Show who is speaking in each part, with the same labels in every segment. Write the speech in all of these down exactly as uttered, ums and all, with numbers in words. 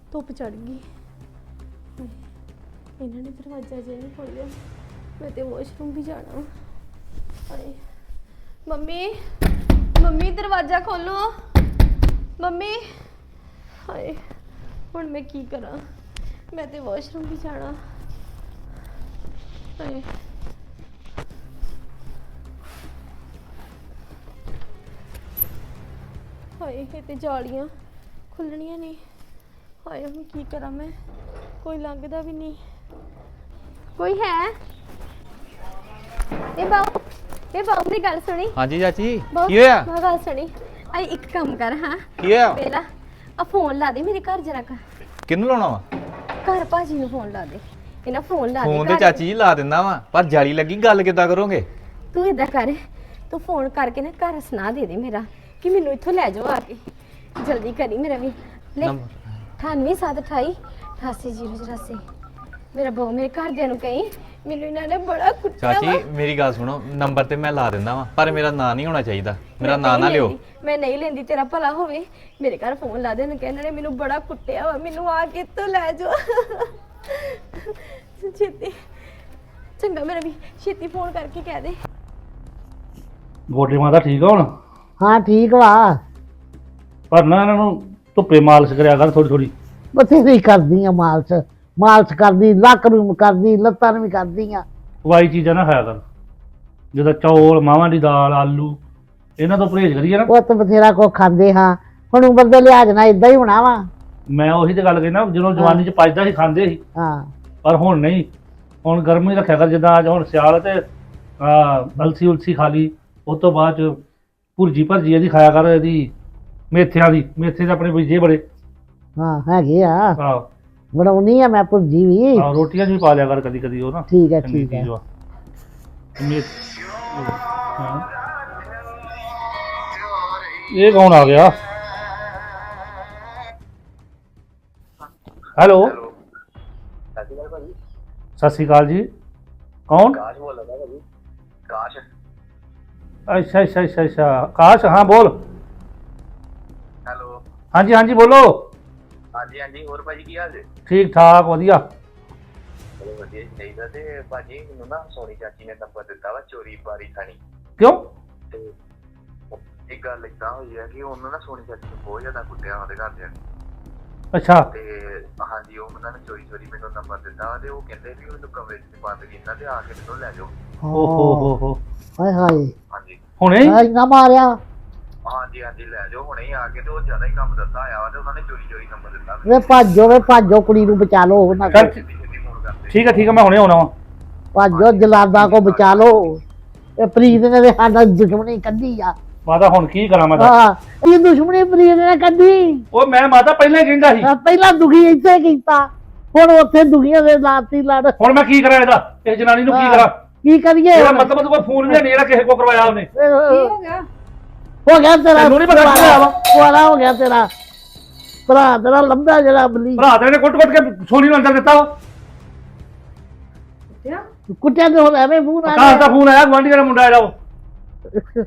Speaker 1: ਧੁੱਪ ਚੜ ਗਈ। ਇਹਨਾਂ ਨੇ ਦਰਵਾਜ਼ਾ ਜਿਹਾ ਨਹੀਂ ਖੋਲ੍ਹਿਆ। ਮੈਂ ਤੇ ਵਾਸ਼ਰੂਮ ਵੀ ਜਾਣਾ। ਹਾਏ ਮੰਮੀ, ਮੰਮੀ ਦਰਵਾਜ਼ਾ ਖੋਲੋ ਮੰਮੀ। ਹਾਏ ਹੁਣ ਮੈਂ ਕੀ ਕਰਾਂ? ਮੈਂ ਤੇ ਵਾਸ਼ਰੂਮ ਵੀ ਜਾਣਾ। ਹਾਏ ਹਾਏ ਇਹ ਤੇ ਜਾਲੀਆਂ ਖੁੱਲਣੀਆਂ ਨਹੀਂ। ਹਾਏ ਹੁਣ ਕੀ ਕਰਾਂ ਮੈਂ? ਕੋਈ ਲੰਘਦਾ ਵੀ ਨਹੀਂ। ਕੋਈ ਹੈ? ਇਹ ਬਾਉ ਇਹ ਬਾਉ ਦੀ ਗੱਲ ਸੁਣੀ।
Speaker 2: ਹਾਂਜੀ ਚਾਚੀ ਕੀ ਹੋਇਆ?
Speaker 1: ਮੈਂ ਗੱਲ ਸੁਣੀ। ਆਈ ਇੱਕ ਕੰਮ ਕਰ। ਹਾਂ
Speaker 2: ਕੀ ਹੋਇਆ?
Speaker 1: ਪਹਿਲਾਂ ਆ ਫੋਨ ਲਾ ਦੇ ਮੇਰੇ ਘਰ ਜਰਾ।
Speaker 2: ਕਿਹਨੂੰ ਲਾਉਣਾ ਵਾ?
Speaker 1: ਘਰ ਭਾਜੀ ਨੂੰ ਫੋਨ ਲਾ ਦੇ। ਇਹਨਾਂ ਫੋਨ ਲਾ ਦੇ।
Speaker 2: ਫੋਨ ਤੇ ਚਾਚੀ ਜੀ ਲਾ ਦਿੰਦਾ ਵਾ, ਪਰ ਜਾਲੀ ਲੱਗੀ। ਗੱਲ ਕਿੱਦਾਂ ਕਰੋਗੇ?
Speaker 1: ਤੂੰ ਏਦਾਂ ਕਰ, ਤੂੰ ਫੋਨ ਕਰਕੇ ਨਾ ਘਰ ਸੁਣਾ ਦੇ ਦੇ ਮੇਰਾ ਕਿ ਮੈਨੂੰ ਇੱਥੋਂ ਲੈ ਜਾਓ ਆ ਕੇ। ਜਲਦੀ ਕਰੀ ਮੇਰਾ ਵੀ। ਲੈ ਅਠਾਨਵੇਂ ਸੱਤ ਅਠਾਈ ਅਠਾਸੀ ਜ਼ੀਰੋ ਚੁਰਾਸੀ। ਮੇਰਾ ਬਹੁ ਮੇਰੇ ਘਰਦਿਆਂ ਨੂੰ ਕਹੀਂ ਮੈਨੂੰ ਇਹਨਾਂ ਨੇ ਬੜਾ ਕੁੱਟਿਆ।
Speaker 2: ਚਾਚੀ ਮੇਰੀ ਗੱਲ ਸੁਣੋ, ਨੰਬਰ ਤੇ ਮੈਂ ਲਾ ਦਿੰਦਾ ਵਾ, ਪਰ ਮੇਰਾ ਨਾਂ ਨਹੀਂ ਹੋਣਾ ਚਾਹੀਦਾ। ਮੇਰਾ ਨਾਂ ਨਾ ਲਿਓ।
Speaker 1: ਮੈਂ ਨਹੀਂ ਲੈਂਦੀ, ਤੇਰਾ ਭਲਾ ਹੋਵੇ। ਮੇਰੇ ਘਰ ਫੋਨ ਲਾ ਦੇ ਨਾ, ਇਹਨਾਂ ਨੇ ਮੈਨੂੰ ਬੜਾ ਕੁੱਟਿਆ ਵਾ, ਮੈਨੂੰ ਆ ਕੇ ਇੱਥੋਂ ਲੈ ਜਾਓ ਛੇਤੀ। ਚੰਗਾ ਮੇਰਾ ਵੀ ਛੇਤੀ ਫੋਨ ਕਰਕੇ ਕਹਿ ਦੇ।
Speaker 3: ਗੋਡੇ ਮਾਤਾ ਠੀਕ ਆ ਹੁਣ?
Speaker 4: ਹਾਂ ਠੀਕ ਵਾ।
Speaker 3: ਪਰ ਨਾ ਇਹਨਾਂ ਨੂੰ ਧੁੱਪੇ ਮਾਲਿਸ਼ ਕਰਿਆ ਕਰ ਥੋੜੀ ਥੋੜੀ।
Speaker 4: ਬਥੇਰੀ ਕਰਦੀ ਆ ਮਾਲਸ਼, ਮਾਲਸ਼ ਕਰਦੀ, ਲੱਕ ਨੂੰ ਕਰਦੀ, ਲੱਤਾਂ ਨੂੰ ਵੀ ਕਰਦੀ ਆ।
Speaker 3: ਖਵਾਈ ਚੀਜ਼ਾਂ ਨਾ ਖਾਇਆ ਕਰ, ਜਿੱਦਾਂ ਚੌਲ, ਮਾਵਾਂ ਦੀ ਦਾਲ, ਆਲੂ, ਇਹਨਾਂ ਤੋਂ ਪਰਹੇਜ਼ ਕਰੀਏ ਨਾ।
Speaker 4: ਉਹ ਤਾਂ ਬਥੇਰਾ ਕੋ ਖਾਂਦੇ ਹਾਂ, ਹੁਣ ਉਮਰ ਦੇ ਲਿਹਾਜ਼ ਨਾਲ ਇਦਾਂ ਹੀ ਹੋਣਾ ਵਾ।
Speaker 3: ਮੈਂ ਉਹੀ ਤੇ ਗੱਲ ਕਹਿੰਦਾ, ਜਦੋਂ ਜਵਾਨੀ ਚ ਪਚਦਾ ਸੀ ਖਾਂਦੇ ਸੀ,
Speaker 4: ਹਾਂ
Speaker 3: ਪਰ ਹੁਣ ਨਹੀਂ। ਹੁਣ ਗਰਮੀ ਰੱਖਿਆ ਕਰ, ਜਿੱਦਾਂ ਅੱਜ ਹੁਣ ਸਿਆਲ ਤੇ ਅਲਸੀ ਉਲਸੀ ਖਾ ਲਈ, ਉਸ ਤੋਂ ਬਾਅਦ ਚ ਭੁਰਜੀ ਭਰਜੀ ਇਹਦੀ ਖਾਇਆ ਕਰ, ਇਹਦੀ ਮੇਥਿਆਂ ਦੀ। ਮੇਥੇ ਦੇ ਆਪਣੇ ਬੀਜੇ ਬੜੇ
Speaker 4: ਹਾਂ ਹੈਗੇ ਆ,
Speaker 3: ਆਹ
Speaker 4: ਬਣਾਉਣੀ ਆ ਮੈਂ ਭੁਰਜੀ ਵੀ।
Speaker 3: ਆਹ ਰੋਟੀਆਂ ਚ ਵੀ ਪਾ ਲਿਆ ਕਰ ਕਦੀ ਕਦੀ ਉਹ ਨਾ।
Speaker 4: ਠੀਕ ਹੈ ਠੀਕ ਹੈ।
Speaker 3: ਹਾਂ। ਇਹ ਕੌਣ ਆ ਗਿਆ? ਹੈਲੋ ਸਤਿ ਸ਼੍ਰੀ ਅਕਾਲ ਜੀ। ਕੌਣ? ਅੱਛਾ ਅੱਛਾ ਅੱਛਾ ਅੱਛਾ ਕਾਸ਼, ਹਾਂ ਬੋਲ।
Speaker 5: ਹੈਲੋ
Speaker 3: ਹਾਂਜੀ ਹਾਂਜੀ ਬੋਲੋ।
Speaker 5: ਹਾਂਜੀ ਹਾਂਜੀ ਹੋਰ ਭਾਜੀ ਕੀ ਹਾਲ ਜੀ?
Speaker 3: ਠੀਕ ਠਾਕ ਵਧੀਆ।
Speaker 5: ਚਲੋ ਵਧੀਆ ਚਾਹੀਦਾ। ਤੇ ਭਾਜੀ ਮੈਨੂੰ ਨਾ ਸੋਨੀ ਚਾਚੀ ਨੇ ਨੰਬਰ ਦਿੱਤਾ ਵਾ ਚੋਰੀ ਬਾਰੀ ਥਾਣੀ।
Speaker 3: ਕਿਉਂ?
Speaker 5: ਤੇ ਇੱਕ ਗੱਲ ਏਦਾਂ ਹੋਈ ਹੈ ਕਿ ਉਹਨੂੰ ਨਾ ਸੋਨੀ ਚਾਚੀ ਨੂੰ ਬਹੁਤ ਜ਼ਿਆਦਾ ਕੁੱਟਿਆ ਉਹਦੇ ਘਰਦਿਆਂ ਨੇ।
Speaker 3: ਅੱਛਾ।
Speaker 5: ਤੇ ਹਾਂਜੀ ਉਹ ਉਹਨਾਂ ਨੇ ਚੋਰੀ ਚੋਰੀ ਮੈਨੂੰ ਨੰਬਰ ਦਿੱਤਾ ਤੇ ਉਹ ਕਹਿੰਦੇ ਵੀ ਮੈਨੂੰ ਕਮਰੇ 'ਚ ਬੰਦ ਕੀਤਾ ਤੇ ਆ ਕੇ ਮੈਨੂੰ ਲੈ ਜਾਓ।
Speaker 3: ਓ ਹੋ ਹੋ ਹੋ
Speaker 4: ਹਾਏ ਹਾਏ
Speaker 5: ਹਾਂਜੀ
Speaker 3: ਹੁਣੇ
Speaker 4: ਇੰਨਾ ਮਾਰਿਆ?
Speaker 5: ਹਾਂਜੀ ਹਾਂਜੀ ਲੈ ਜਾਓ ਹੁਣੇ ਹੀ ਆ ਕੇ। ਤੇ ਉਹ ਜ਼ਿਆਦਾ ਹੀ ਕੰਮ ਦੱਸਦਾ ਆਇਆ ਵਾ ਤੇ ਉਹਨਾਂ ਨੇ ਚੋਰੀ ਚੋਰੀ ਨੰਬਰ ਦਿੱਤਾ।
Speaker 4: ਵੇ ਭੱਜੋ ਵੇ ਭੱਜੋ, ਕੁੜੀ ਨੂੰ ਬਚਾ ਲਓ ਉਹਨਾਂ
Speaker 3: ਚੱਲ
Speaker 4: ਕੋਲ।
Speaker 5: ਛੇਤੀ ਛੇਤੀ ਫੋਨ ਕਰਦੇ।
Speaker 3: ਠੀਕ ਹੈ ਠੀਕ ਹੈ ਮੈਂ ਹੁਣੇ ਆਉਣਾ ਵਾ।
Speaker 4: ਭੱਜੋ, ਜਲਾਦਾ ਕੋ ਬਚਾ ਲਓ। ਇਹ ਪ੍ਰੀਤ ਨੇ ਤੇ ਸਾਡਾ ਦੁਸ਼ਮਣੀ ਕੱਢੀ ਆ।
Speaker 3: ਮਾਤਾ ਹੁਣ ਕੀ ਕਰਾਂ ਮੈਂ?
Speaker 4: ਹਾਂ ਇਹ ਦੁਸ਼ਮਣੀ ਪ੍ਰੀਤ ਨੇ ਕੱਢੀ।
Speaker 3: ਉਹ ਮੈਂ ਮਾਤਾ ਪਹਿਲਾਂ ਹੀ ਕਹਿੰਦਾ ਸੀ।
Speaker 4: ਹਾਂ, ਪਹਿਲਾਂ ਦੁਖੀ ਇੱਥੇ ਕੀਤਾ, ਹੁਣ ਉੱਥੇ ਦੁਖੀਆਂ ਦੇ ਲਾਤੀ ਲੜ।
Speaker 3: ਹੁਣ ਮੈਂ ਕੀ ਕਰਾਂ ਇਹਦਾ? ਇਸ ਜਨਾਨੀ ਨੂੰ ਕੀ
Speaker 4: ਹਾਂ,
Speaker 3: ਕਰਾਂ?
Speaker 4: ਕੀ ਕਰੀਏ?
Speaker 3: ਇਹਦਾ ਮਤਲਬ ਤੂੰ ਕੋਈ ਫੋਨ ਵੀ ਨਹੀਂ ਜਿਹੜਾ ਕਿਸੇ ਕੋ ਕਰਵਾਇਆ ਉਹਨੇ।
Speaker 4: ਹੋ ਗਿਆ ਹੋ ਗਿਆ ਤੇਰਾ।
Speaker 3: ਤੈਨੂੰ ਨੀ ਪਤਾ ਕੀ ਹੋਇਆ ਵਾ?
Speaker 4: ਕੁਆਰਾ ਹੋ ਗਿਆ ਤੇਰਾ ਭਰਾ, ਤੇਰਾ ਲੰਬਾ ਜਿਹੜਾ ਬਲੀ।
Speaker 3: ਭਰਾ ਤੇਰੇ ਨੇ ਕੁੱਟ ਕੁੱਟ ਕੇ ਸੋਨੀ ਨੂੰ ਅੰਦਰ ਦਿੱਤਾ ਵਾ।
Speaker 4: ਕੁੱਟਿਆ ਤੇ ਹੁਣ ਐਵੇਂ ਮੂੰਹ ਨਾਲ।
Speaker 3: ਆਕਾਸ਼ ਦਾ ਫੋਨ ਆਇਆ, ਗੁਆਂਢੀ ਦਾ ਮੁੰਡਾ ਆਇਆ ਉਹ।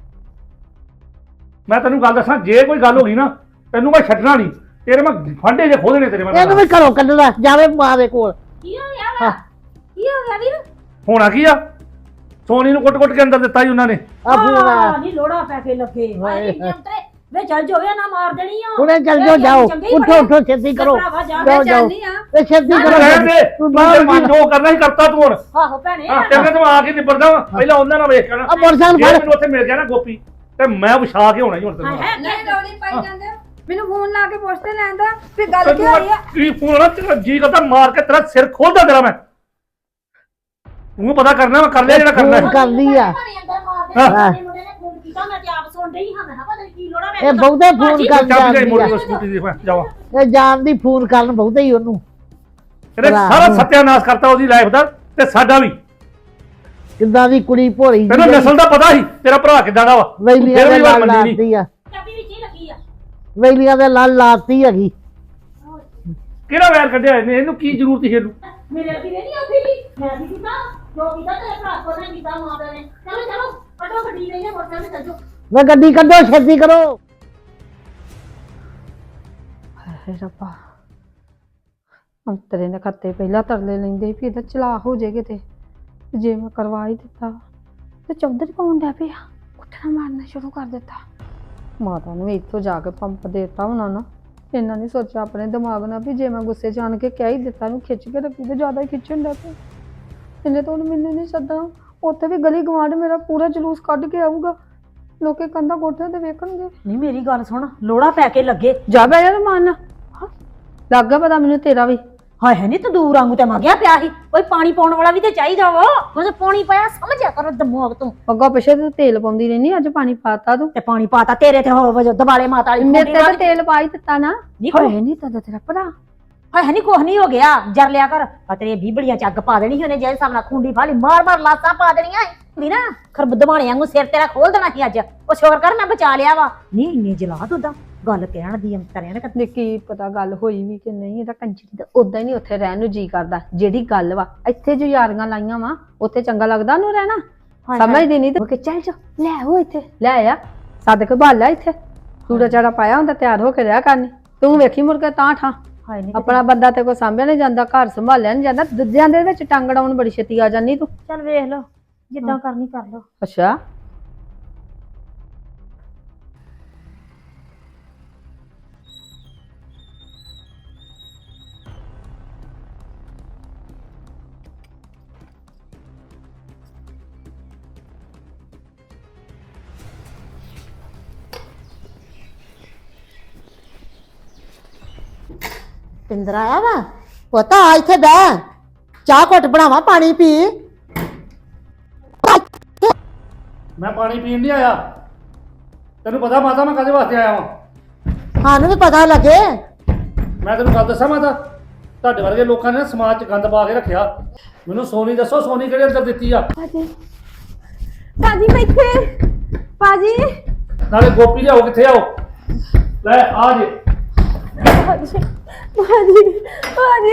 Speaker 3: ਮੈਂ ਤੈਨੂੰ ਗੱਲ ਦੱਸਾਂ, ਜੇ ਕੋਈ ਗੱਲ ਹੋ ਗਈ ਨਾ ਤੈਨੂੰ ਮੈਂ ਛੱਡਣਾ ਨਹੀਂ। ਤੇਰੇ ਮੈਂ ਫਾਂਡੇ ਜੇ ਖੋਲਣੇ ਤੇਰੇ ਮੈਂ।
Speaker 4: ਇਹਨੂੰ ਵੀ ਘਰੋਂ ਕੱਢਣਾ ਜਾਵੇ ਮਾਂ ਦੇ ਕੋਲ।
Speaker 1: ਕੀ ਹੋ ਗਿਆ ਵਾ? ਕੀ ਹੋ ਗਿਆ ਵੀਰ?
Speaker 3: ਹੋਣਾ ਕੀ ਆ? ਸੋਨੀ ਨੂੰ ਕੁੱਟ ਕੁੱਟ ਕੇ ਅੰਦਰ ਦਿੱਤਾ ਜੀ ਉਹਨਾਂ ਨੇ।
Speaker 4: ਆ ਫੋਨ ਆ
Speaker 6: ਨਹੀਂ ਲੋੜਾ ਪੈ ਕੇ ਲੱਗੇ ਵੇ ਚੱਲ ਜੋਵੇ ਨਾ ਮਾਰ ਦੇਣੀ ਆ।
Speaker 4: ਹੁਣੇ ਚੱਲ ਜਾਓ, ਜਾਓ ਉੱਠੋ ਉੱਠੋ ਛੇਤੀ ਕਰੋ, ਜਾਓ ਜਾਓ ਤੇ ਛੇਤੀ ਕਰੋ।
Speaker 3: ਰਹਿਣ ਦੇ, ਤੂੰ ਜੋ ਕਰਨਾ ਹੀ ਕਰਤਾ ਤੂੰ ਹੁਣ।
Speaker 6: ਆਹੋ ਭੈਣੇ
Speaker 3: ਹਾਂ ਤੇਰੇ ਤੋਂ ਆ ਕੇ ਨਿਬੜਦਾ ਵਾ। ਪਹਿਲਾਂ ਉਹਨਾਂ ਨਾਲ ਵੇਖ ਕੇ ਨਾ
Speaker 4: ਆ ਮੋਟਰਸਾਈਕਲ
Speaker 3: ਜੇ
Speaker 4: ਫੜ।
Speaker 3: ਮੈਨੂੰ ਉੱਥੇ ਮਿਲ ਗਿਆ ਨਾ ਗੋਪੀ ਤੇ ਮੈਂ ਵਿਛਾ ਕੇ ਹੋਣਾ ਹੀ ਹੁਣ ਤੈਨੂੰ।
Speaker 6: ਨਹੀਂ ਰੌਲੀ ਪਾਈ ਜਾਂਦੇ ਮੈਨੂੰ ਫੋਨ ਲਾ ਕੇ ਪੁੱਛਦੇ ਲੈਂਦਾ ਵੀ ਗੱਲ ਕੀ ਹੋਈ ਆ।
Speaker 3: ਕੀ ਫੋਨ ਨਾ ਤੇਰਾ ਜੀ ਕਰਦਾ ਮਾਰ ਕੇ ਤੇਰਾ ਸਿਰ ਖੋਲਦਾ ਤੇਰਾ ਮੈਂ। ਤੂੰ ਪਤਾ ਕਰਨਾ ਮੈਂ ਕਰ ਲਿਆ ਜਿਹੜਾ ਕਰਨਾ ਹੈ।
Speaker 4: ਕਰਦੀ ਆ
Speaker 6: ਹਾਂ ਮੁੰਡੇ ਨੇ ਫੋਨ ਕੀਤਾ ਮੈਂ ਤੇ ਆਪ ਸੁਣ ਰਹੀ ਹਾਂ। ਮੈਂ ਪਤਾ ਨਹੀਂ ਕੀ ਲੋੜਾ
Speaker 4: ਇਹ ਬਹੁਤੇ ਫੋਨ ਕਰ
Speaker 3: ਚਾਬੀ ਦੇ
Speaker 4: ਜਾਂਦੀ
Speaker 3: ਮੋੜੀ
Speaker 4: ਆ।
Speaker 3: ਸਕੂਟੀ ਦੀ ਜਾਵਾ।
Speaker 4: ਇਹ ਜਾਣ ਦੀ ਫੋਨ ਕਰਨ ਬਹੁਤੇ ਹੀ ਉਹਨੂੰ।
Speaker 3: ਇਹਨੇ ਸਾਰਾ ਸਤਿਆਨਾਸ਼ ਕਰਤਾ ਉਹਦੀ ਲਾਈਫ ਦਾ ਤੇ ਸਾਡਾ ਵੀ।
Speaker 4: ਕਿੱਦਾਂ ਦੀ ਕੁੜੀ ਭੋਲੀ
Speaker 3: ਤੈਨੂੰ ਨਸਲ ਦਾ ਪਤਾ ਸੀ ਤੇਰਾ ਭਰਾ ਕਿੱਦਾਂ ਦਾ ਵਾ।
Speaker 4: ਵੈਲੀਆਂ
Speaker 3: ਫਿਰ
Speaker 4: ਦੇ
Speaker 3: ਵੀ ਵਾਰ
Speaker 4: ਲੜ
Speaker 3: ਮੰਨੀ ਨਹੀਂ।
Speaker 4: ਲਾਤੀ ਆ,
Speaker 6: ਚਾਬੀ ਵਿੱਚ ਹੀ ਲੱਗੀ ਆ।
Speaker 4: ਵੈਲੀਆਂ ਦੇ ਲੜ ਲਾਤੀ ਹੈਗੀ।
Speaker 3: ਕਿਹੜਾ ਵੈਰ ਕੱਢਿਆ ਇਹਨੇ? ਇਹਨੂੰ ਕੀ ਜ਼ਰੂਰਤ ਸੀ ਇਹਨੂੰ?
Speaker 6: ਮੇਰੇ ਵੀਰੇ ਨਹੀਂ ਆਉਂਦੀ ਮੈਂ ਵੀ ਕੀਤਾ ਜੋ ਕੀਤਾ ਤੇਰੇ ਭਰਾ ਕੋਲ ਨੇ ਕੀਤਾ ਮਾਂ ਪਿਓ ਨੇ। ਚਲੋ ਚਲੋ ਕੱਢੋ ਗੱਡੀ ਲਈ ਨੇ ਮੋਟਰ ਤੇ ਚੱਲੋ।
Speaker 4: ਵੇ ਗੱਡੀ ਕੱਢੋ ਛੇਤੀ ਕਰੋ। ਹਾਏ ਰੱਬਾ
Speaker 7: ਅੰਤਰੇ ਨੇ ਖੱਤੇ ਪਹਿਲਾਂ ਤਰਲੇ ਲੈਂਦੇ ਵੀ ਇਹਦਾ ਚਲਾ ਹੋ ਜੇ ਕਿਤੇ ਤੇ ਜੇ ਮੈਂ ਕਰਵਾ ਹੀ ਦਿੱਤਾ ਤੇ ਚੌਧਰੀ ਪਾਉਣ ਡਿਆ ਪਿਆ ਉੱਠਣਾ ਮਾਰਨਾ ਸ਼ੁਰੂ ਕਰ ਦਿੱਤਾ। ਮਾਤਾ ਨੂੰ ਇੱਥੋਂ ਜਾ ਕੇ ਪੰਪ ਦੇਤਾ ਹੋਣਾ ਨਾ, ਇਹਨਾਂ ਨੇ ਸੋਚਿਆ ਆਪਣੇ ਦਿਮਾਗ ਨਾਲ ਵੀ ਜੇ ਮੈਂ ਗੁੱਸੇ 'ਚ ਆਣ ਕੇ ਕਹਿ ਹੀ ਦਿੱਤਾ ਨੂੰ ਖਿੱਚ ਕੇ ਰੱਖੀ ਤੇ ਜ਼ਿਆਦਾ ਹੀ ਖਿੱਚਣ ਡਿਆ ਪਿਆ। ਇਹਨੇ ਤਾਂ ਹੁਣ ਮੈਨੂੰ ਨਹੀਂ ਸੱਦਣਾ, ਉੱਥੇ ਵੀ ਗਲੀ ਗਵਾਂਢ ਮੇਰਾ ਪੂਰਾ ਜਲੂਸ ਕੱਢ ਕੇ ਆਊਗਾ, ਲੋਕੇ ਕੰਧਾਂ ਕੋਠਿਆਂ ਤੇ ਵੇਖਣਗੇ।
Speaker 6: ਨਹੀਂ ਮੇਰੀ ਗੱਲ ਸੁਣ, ਲੋੜਾ ਪੈ ਕੇ ਲੱਗੇ
Speaker 7: ਜਾ ਬੈ ਜਾ ਮਾਨ ਲੱਗ ਗਿਆ ਪਤਾ ਮੈਨੂੰ ਤੇਰਾ ਵੀ।
Speaker 6: ਹਾਏ ਹੈ ਨਹੀਂ ਤੰਦੂਰ ਵਾਂਗੂ ਤੇ ਮੰਗਿਆ ਪਿਆ ਸੀ, ਕੋਈ ਪਾਣੀ ਪਾਉਣ ਵਾਲਾ ਵੀ ਤੇ ਚਾਹੀਦਾ ਵਾ। ਉਹਨੇ ਪਾਣੀ ਪਾਇਆ ਸਮਝਿਆ ਕਰ ਦਿਮਾਗ ਤੂੰ।
Speaker 7: ਅੱਗੋਂ ਪਿੱਛੇ ਤੇ ਤੇਲ ਪਾਉਂਦੀ ਰਹਿਨੀ, ਅੱਜ ਪਾਣੀ ਪਾਤਾ ਤੂੰ
Speaker 6: ਤੇ ਪਾਣੀ ਪਾਤਾ ਤੇਰੇ ਤੇ ਹੋ ਵਜੋ ਦਵਾਲੇ ਮਾਤਾ ਵਾਲੀ
Speaker 7: ਮੇਰੇ ਤੇ ਤਾਂ ਤੇਲ ਪਾ ਹੀ ਦਿੱਤਾ ਨਾ।
Speaker 6: ਨਹੀਂ
Speaker 7: ਹੋਏ ਨਹੀਂ ਤਾਂ ਤੇਰਾ ਭਰਾ
Speaker 6: ਹਾਏ ਹੈ ਨਹੀਂ ਕੁਛ ਨਹੀਂ ਹੋ ਗਿਆ, ਜਰ ਲਿਆ ਕਰ। ਆ ਤੇਰੇ ਬੀਬੜੀਆਂ ਚ ਅੱਗ ਪਾ ਦੇਣੀ ਸੀ ਉਹਨੇ, ਜੇ ਹਿਸਾਬ ਨਾਲ ਖੁੰਡੀ ਫਾਲੀ ਮਾਰ ਮਾਰ ਲਾਸਾਂ ਪਾ ਦੇਣੀਆਂ ਸੀ ਨਾ। ਖਰਬ ਦਵਾਣੇ ਵਾਂਗੂ ਸਿਰ ਤੇਰਾ ਖੋਲ ਦੇਣਾ ਸੀ ਅੱਜ। ਉਹ ਸ਼ੁਕਰ ਕਰ ਮੈਂ ਬਚਾ ਲਿਆ ਵਾ। ਨਹੀਂ ਇੰਨੇ ਜਲਾ ਦੁੱਦਾ ਗੱਲ ਕਹਿਣ ਦੀ ਅੰਤਰਿਆਂ ਨੇ
Speaker 7: ਨੇ ਕੀ ਪਤਾ ਗੱਲ ਹੋਈ ਵੀ ਕਿ ਨਹੀਂ। ਇਹਦਾ ਕੰਜਰੀ ਦਾ ਉਦਾਂ ਹੀ ਨਹੀਂ ਉੱਥੇ ਰਹਿਣ ਨੂੰ ਜੀ ਕਰਦਾ। ਜਿਹੜੀ ਗੱਲ ਵਾ ਇੱਥੇ ਜੋ ਯਾਰੀਆਂ ਲਾਈਆਂ ਵਾ ਉੱਥੇ ਚੰਗਾ ਲੱਗਦਾ ਉਹਨੂੰ ਰਹਿਣਾ। ਸਮਝਦੀ ਨਹੀਂ ਤੇ ਚੱਲ ਜਾ ਲੈ ਆਓ ਇੱਥੇ ਲੈ ਆ ਸੱਦ ਕੇ ਭਾਲ ਲੈ ਇੱਥੇ। ਚੂੜਾ ਚਾੜਾ ਪਾਇਆ ਹੁੰਦਾ ਤਿਆਰ ਹੋ ਕੇ ਰਿਹਾ ਕਰਨੀ, ਤੂੰ ਵੇਖੀ ਮੁੜ ਕੇ ਤਾਂ ਠਾਂ। ਆਪਣਾ ਬੰਦਾ ਤੇ ਕੋਈ ਸਾਂਭਿਆ ਨਹੀਂ ਜਾਂਦਾ, ਘਰ ਸੰਭਾਲਿਆ ਨਹੀਂ ਜਾਂਦਾ, ਦੂਜਿਆਂ ਦੇ ਵਿੱਚ ਟੰਗ ਅੜਾਉਣ ਬੜੀ ਛੇਤੀ ਆ ਜਾਂਦੀ ਤੂੰ।
Speaker 6: ਚੱਲ ਵੇਖ ਲਓ ਜਿੱਦਾਂ ਕਰਨੀ ਕਰ ਲਓ।
Speaker 7: ਅੱਛਾ
Speaker 4: ਪਿੰਦਰ ਆਇਆ ਵਾ ਪੁੱਤ, ਆ ਇੱਥੇ ਬਹਿ, ਚਾਹ ਘੁੱਟ ਬਣਾਵਾਂ, ਪਾਣੀ ਪੀ।
Speaker 3: ਮੈਂ ਪਾਣੀ ਪੀਣ ਨਹੀਂ ਆਇਆ, ਤੈਨੂੰ ਪਤਾ ਮਾਤਾ ਮੈਂ ਕਾਹਦੇ ਵਾਸਤੇ ਆਇਆ ਵਾਂ।
Speaker 4: ਸਾਨੂੰ ਵੀ ਪਤਾ ਲੱਗੇ।
Speaker 3: ਮੈਂ ਤੈਨੂੰ ਗੱਲ ਦੱਸਾਂ ਮਾਤਾ, ਤੁਹਾਡੇ ਵਰਗੇ ਲੋਕਾਂ ਨੇ ਨਾ ਸਮਾਜ 'ਚ ਗੰਦ ਪਾ ਕੇ ਰੱਖਿਆ। ਮੈਨੂੰ ਸੋਨੀ ਦੱਸੋ, ਸੋਨੀ ਕਿਹੜੇ ਅੰਦਰ ਦਿੱਤੀ ਆ?
Speaker 1: ਭਾਜੀ ਭਾਜੀ ਮੈਂ ਇੱਥੇ ਭਾਜੀ
Speaker 3: ਨਾਲੇ ਗੋਪੀ ਲਿਆਓ, ਕਿੱਥੇ ਆਓ? ਲੈ ਆ ਜੇ।
Speaker 1: ਭਾਜੀ ਭਾਜੀ ਭਾਜੀ